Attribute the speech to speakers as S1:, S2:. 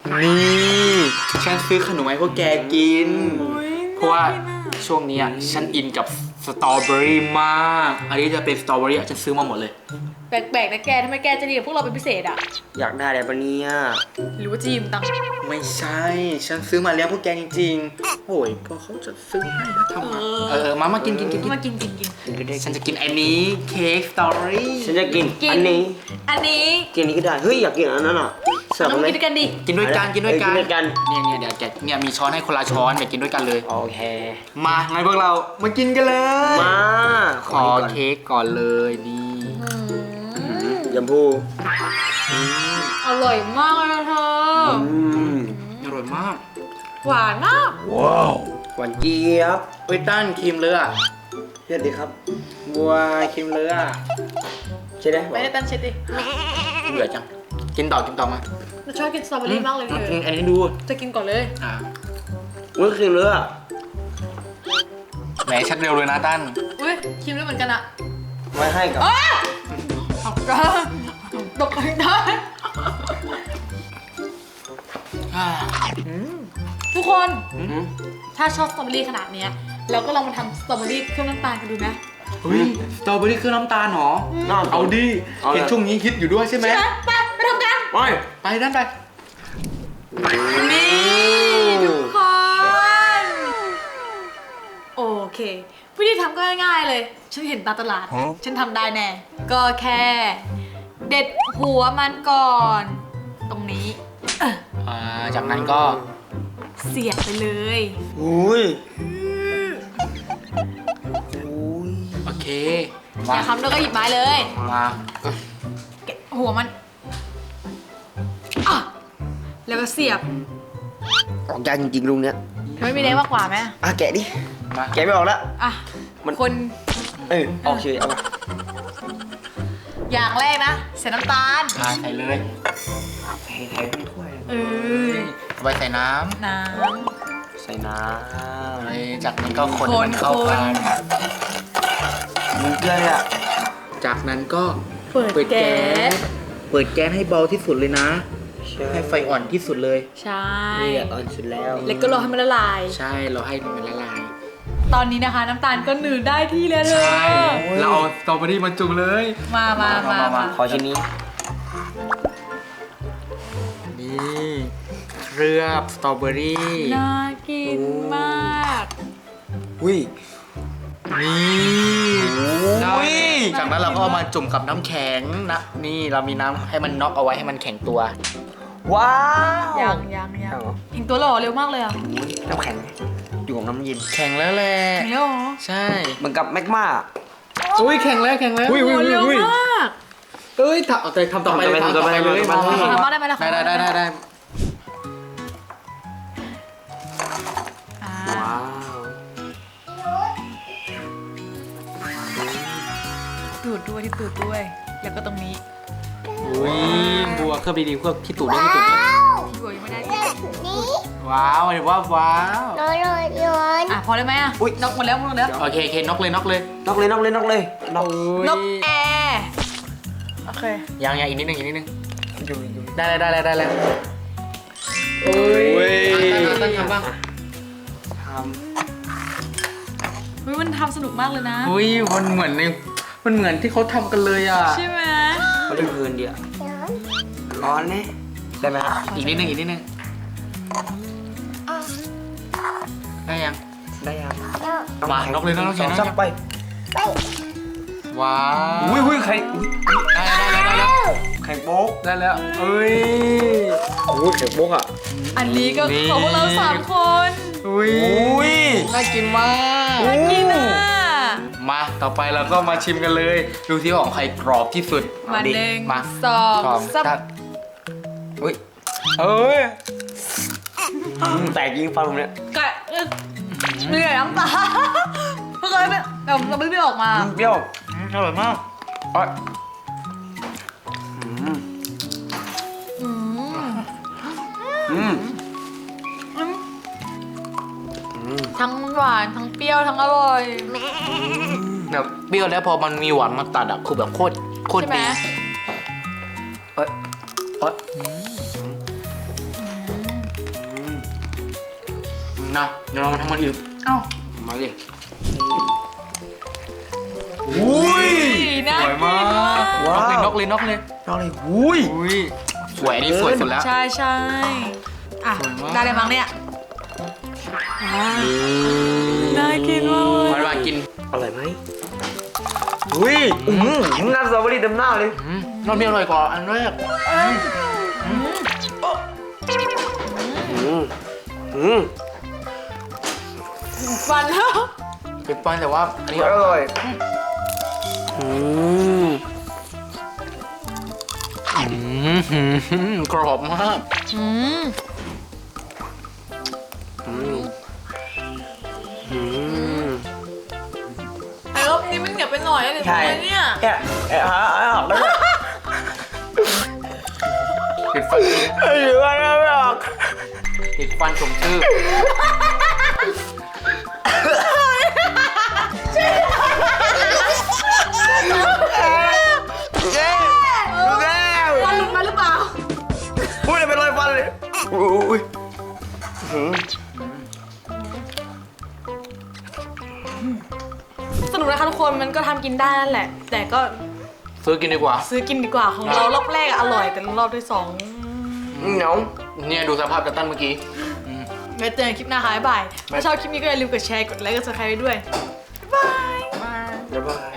S1: นี่ฉันซื้อขนมให้พวกแกกินเพราะว่าช่วงนี้ฉันอินกับสตรอเบอรี่มากอันนี้จะเป็นสตรอเบอรี่ฉันซื้อมาหมดเลย
S2: แปลกๆนะแกทำไมแกจะดีกับพวกเราเป็นพิเศษอ่ะ
S3: อยากได้อะไรปะเนี่ย
S2: หรือว่าจีมตัง
S1: ไม่ใช่ฉันซื้อมาเลี้ยงพวกแกจริงๆโอ้ยก็เขาจะซื้อให้แล้วทำไมมากิน
S2: มากิน
S1: ฉันจะกินอันนี้เค้กสตรอเบอรี่
S3: ฉันจะกินอันนี้กินนี้ก็ได้เฮ้ยอยากกินอันนั้นอ่ะ
S2: ต้องกินด้วยกันดิ
S1: กินด้วยกันเนี่ยเดี๋ยวแกเนี่ยมีช้อนให้คนละช้อนเดี๋ยวกินด้วยกันเลย
S3: โอเค
S1: มางั้นพวกเรามากินกันเลย
S3: มา
S1: ขอเค้กก่อนเลยนี่
S3: ยำพู
S2: อร่อยมากเลยเธอ
S1: อร่อยมาก
S2: หวานมาก
S3: ว้าวหวานเจี๊ยบ
S1: เฮ้ยตั้นครีมเลือด
S3: เช็ดดิครับ
S1: บัวครีมเลือด
S3: เช็ดได้
S2: ไม่ได้ตั้นเช็ดดิ
S1: เบื่อจังกินต่อมา
S2: เราชอบกินสตรอเบอรี่มากเลย
S1: อันนี้ดู
S2: จะกินก่อนเลย
S3: อุ้ยครีมเลือด
S1: แหมชัดเร็วเลยนะตั้น
S2: อุ้ยครีมเลือดเหมือนกันอะ
S3: ไว้ให้กับ
S2: ตกได้ทุกคนถ้าชอบสตรอเบอรี่ขนาดนี้เราก็ลองมาทำสตรอเบอรี่เครื่องน้ำตาลกันดูนะ
S1: สตรอเบอรี่เครื่องน้ำตาลหรอเอาดิเห็นช่วงนี้ฮิตอยู่ด้วยใช่ไหม
S2: ไปทำกัน
S1: ไปนั่นไป
S2: นี่ทุกคนโอเควิธีทำก็ง่ายๆเลยฉันเห็นตามตลาดฉันทำได้แน่ก็แค่เด็ดหัวมันก่อนตรงนี้
S1: จากนั้นก็
S2: เสียบไปเลย
S3: อุ้ย
S1: โอเค
S2: อย่าทำแล้วก็หยิบไม้เลย
S1: มา
S2: แกะหัวมันแล้วก็เสียบ
S3: ออกยากจริงๆลุงเนี้ย
S2: ไม่มีแรงมากกว่าไหม
S3: แกะดิแกะไม่ออกแล้ว
S2: มันคน
S3: โอเคเอา
S2: อย่างแรกนะใส่น้ำตาล
S1: ใส่เลย
S3: ใส่ถ้วย
S1: ไปใส่น้
S3: ใส่น้
S1: ำจากนั้นก็คนมันเข้ากัน
S3: มีเกลือเลยอ่ะ
S1: จากนั้นก็เปิดแก๊สให้เบาที่สุดเลยนะให้ไฟอ่อนที่สุดเลย
S2: ใช่
S3: นี่อ่อนสุดแล้ว
S2: ก็รอให้มันละลาย
S1: ใช่เราให้มันละลาย
S2: ตอนนี้นะคะน้ำตาลก็หนืดได้ที่แล้วเลย
S1: ใช่เราเอาสตรอเบอรี่มาจุ่มเลย
S2: มา
S3: ขอชิ้นนี้
S1: นี่เคลือบสตรอเบอรี่
S2: น่ากินมาก
S3: อุ้ย
S1: นี่จากนั้นเราก็เอามาจุ่มกับน้ำแข็งนะนี่เรามีน้ำให้มันน็อกเอาไว้ให้มันแข็งตัว
S3: ว้าว
S2: ยังแข็งตัวหล่อเร็วมากเลยอ่ะ
S3: น้ำแข็งอยู่กับน้ำเย็น
S1: แข็งแล้วแหละ
S2: แข็งแล้วเหรอ
S1: ใช่
S3: เหมือนกับแมกมา
S1: อุ้ยแข็งแล้ว
S2: อุ้ยเร็วมาก
S1: ทำต่อไปเลย
S2: ทำได้ไหมล่ะ
S1: ได้
S3: ว้าว
S2: ตูดด้วยแล้วก็ตรงนี้
S1: อุ้ยบัวเคลือบดีๆเคลือบที่ตูดด้วย
S2: ที่บัวยังไม่ได้
S1: ว้าวว้าว
S2: พอได้ไหมนกหมดแล้ว
S1: โอเคนกเลย
S2: นกแอร์โอเค
S1: ยังอีกนิดนึงได้แล้วโอ้ยตั้งทำบ้าง
S2: มันทำสนุกมากเลยนะ
S1: มันเหมือนที่เขาทำกันเลยอ่ะ
S2: ใช่ไหม
S3: เขาเล่นเพลินดีอ่ะร้อนเนี่ยได้ไหม
S1: อีกนิดนึงได้ยังมานกเลยนะน้อง
S3: จับไป
S1: ว้าว
S3: อุ้ยไข่
S1: ได้
S3: ไข่โป๊ก
S1: ได้แล้ว
S3: ไข่โป๊กอ่ะ
S2: อันนี้ก็ของเรา3 คน
S1: น่ากินมากมาต่อไปเราก็มาชิมกันเลยดูที่ของใครกรอบที่สุด
S2: มา1 2 3
S1: อุ้ย
S3: แตกยิงฟันผมเนี่ย
S2: เหนื่อยน้ำตาเมื่อกี้เราไม่ออกมา
S3: เปรี้ยว
S1: อร่อยมาก
S2: ทั้งหวานทั้งเปรี้ยวทั้งอร่อย
S1: แบบเปรี้ยวแล้วพอมันมีหวานมาตัดคือแบบโคตรดีนะเดี๋ยวเรามาทำมันอีก
S2: เอ้า
S3: มาดิ
S1: อุ้ย
S2: น่า
S1: สวยมาก
S3: ว้าว
S1: นกเลย
S3: น้องเลยอุ้ย
S1: อุ้ยสวยอันนี้สวยสุดแล้ว
S2: ใช่ใช่อ่ะ
S1: สวยมาก
S2: ได้เลยมั้งเนี่ยน่ากินมากเลย
S1: มากิน
S3: อร่อยไหมอุ้ยน้ำสตรอเบอรี่เต็มหน้าเลย
S1: รสมีอร่อยกว่าอันแรก
S2: ฟันแล้ว
S1: เป็นปันแต่ว่าอันนี้
S3: อร่อย
S1: กรอบมาก
S2: แต่รอบนี้มันเหนียวไปหน่อยนะเดี๋ยว
S3: ใช่
S2: ทำไมเนี่ย
S3: หาออกแล้ว
S1: ติดฟัน
S3: หรือว่าไม่ออก
S1: ติดฟันสมชื่อ
S3: เจ๊ดูแล้ว
S2: ฟันหลุดมาหรือเปล่า
S3: อุ้ยเป็นรอยฟันเลยอุ้ย
S2: สนุกนะคะทุกคนมันก็ทำกินได้นั่นแหละ แต่ก็
S1: ซื้อกินดีกว่า
S2: ซื้อกินดีกว่าของเรารอบแรกอะอร่อยแต่รอบที่สอง
S3: เหนียว
S1: เนี่ยดูสภาพตันเมื่อกี้
S2: ไว้เจอกันคลิปหน้าค่ะบ๊ายบายถ้าชอบคลิปนี้ก็อย่าลืมกดแชร์กดไลค์กดซับสไครต์ด้วย
S3: บ๊ายบาย